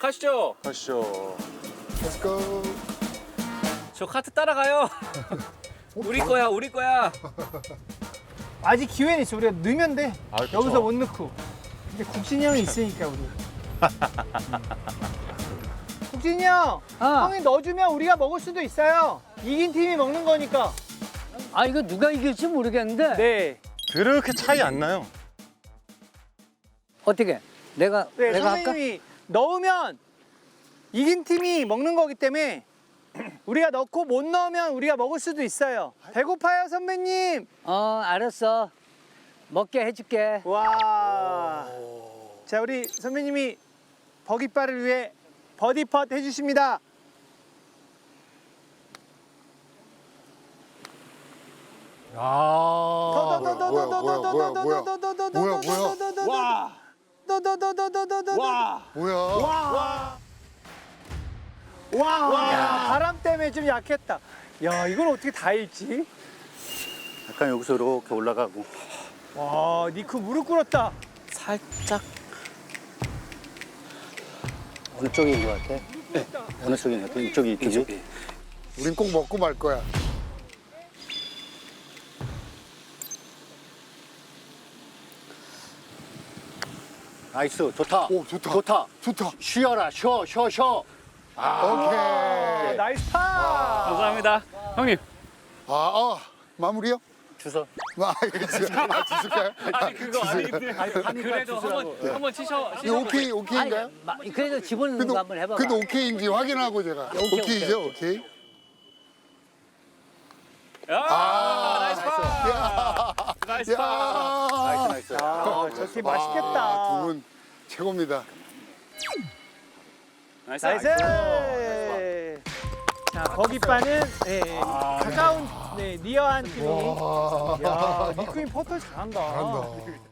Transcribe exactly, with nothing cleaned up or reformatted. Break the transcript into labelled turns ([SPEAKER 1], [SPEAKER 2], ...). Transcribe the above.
[SPEAKER 1] 가시죠.
[SPEAKER 2] 가시죠.
[SPEAKER 3] Let's go.
[SPEAKER 1] 저 카트 따라가요. 우리 거야, 우리 거야.
[SPEAKER 4] 아직 기회는 있어. 우리가 넣으면 돼.
[SPEAKER 2] 아, 그쵸.
[SPEAKER 4] 여기서 못 넣고. 근데 국진이 형이 있으니까 우리. 국진이 형,
[SPEAKER 5] 아.
[SPEAKER 4] 형이 넣어주면 우리가 먹을 수도 있어요. 이긴 팀이 먹는 거니까.
[SPEAKER 5] 아 이거 누가 이길지 모르겠는데.
[SPEAKER 4] 네.
[SPEAKER 2] 그렇게 차이 안 나요.
[SPEAKER 5] 어떻게? 내가
[SPEAKER 4] 네,
[SPEAKER 5] 내가 할까?
[SPEAKER 4] 선생님이 넣으면 이긴 팀이 먹는 거기 때문에 우리가 넣고 못 넣으면 우리가 먹을 수도 있어요. 배고파요, 선배님.
[SPEAKER 5] 어 알았어. 먹게 해줄게.
[SPEAKER 4] 와. 자, 우리 선배님이 버기바를 위해 버디펫 해주십니다.
[SPEAKER 2] 아.
[SPEAKER 3] 뭐야, 뭐야, 뭐야, 뭐야, 뭐야. 뭐야, 뭐야.
[SPEAKER 1] 와, 와,
[SPEAKER 3] 뭐야?
[SPEAKER 4] 와, 와, 바람 때문에 좀 약했다. 야, 이걸 어떻게 다 읽지?
[SPEAKER 6] 약간 여기서 이렇게 올라가고.
[SPEAKER 4] 와, 니크 무릎 꿇었다.
[SPEAKER 6] 살짝. 어느 쪽인 것 같아? 네. 어느 쪽인 것 같아? 이쪽이 이쪽이?
[SPEAKER 3] 우린 꼭 먹고 말 거야.
[SPEAKER 6] 나이스. 좋다.
[SPEAKER 3] 오, 좋다.
[SPEAKER 6] 좋다.
[SPEAKER 3] 좋다.
[SPEAKER 6] 쉬어라. 쉬어. 쉬어. 쉬어.
[SPEAKER 3] 오케이.
[SPEAKER 4] 나이스 파.
[SPEAKER 1] 감사합니다. 형님.
[SPEAKER 3] 아, 아, 마무리요?
[SPEAKER 6] 주소.
[SPEAKER 3] 아, 이거 주- 아, 주실까요?
[SPEAKER 1] 아니 그거 아니 그래도 한번 한번 치셔.
[SPEAKER 3] 이거 오케이, 오케이인가요?
[SPEAKER 5] 마- 그래도 집어넣는
[SPEAKER 3] 근데,
[SPEAKER 5] 거 한번 해봐.
[SPEAKER 3] 근데 오케이인지 확인하고 제가.
[SPEAKER 5] 오케이,
[SPEAKER 3] 오케이죠,
[SPEAKER 5] 오케이,
[SPEAKER 3] 오케이.
[SPEAKER 1] 아, 나이스 파. 나이스
[SPEAKER 3] 야.
[SPEAKER 1] 파.
[SPEAKER 6] 나이스. 나이스.
[SPEAKER 4] 아, 저팀 맛있겠다.
[SPEAKER 3] 아, 두 분 최고입니다.
[SPEAKER 1] 나이스.
[SPEAKER 4] 나이스. 자, 버기바는 네, 가까운, 네, 니어한 팀이.
[SPEAKER 3] 와.
[SPEAKER 4] 야, 니크님 퍼터 잘한다.
[SPEAKER 3] 잘한다.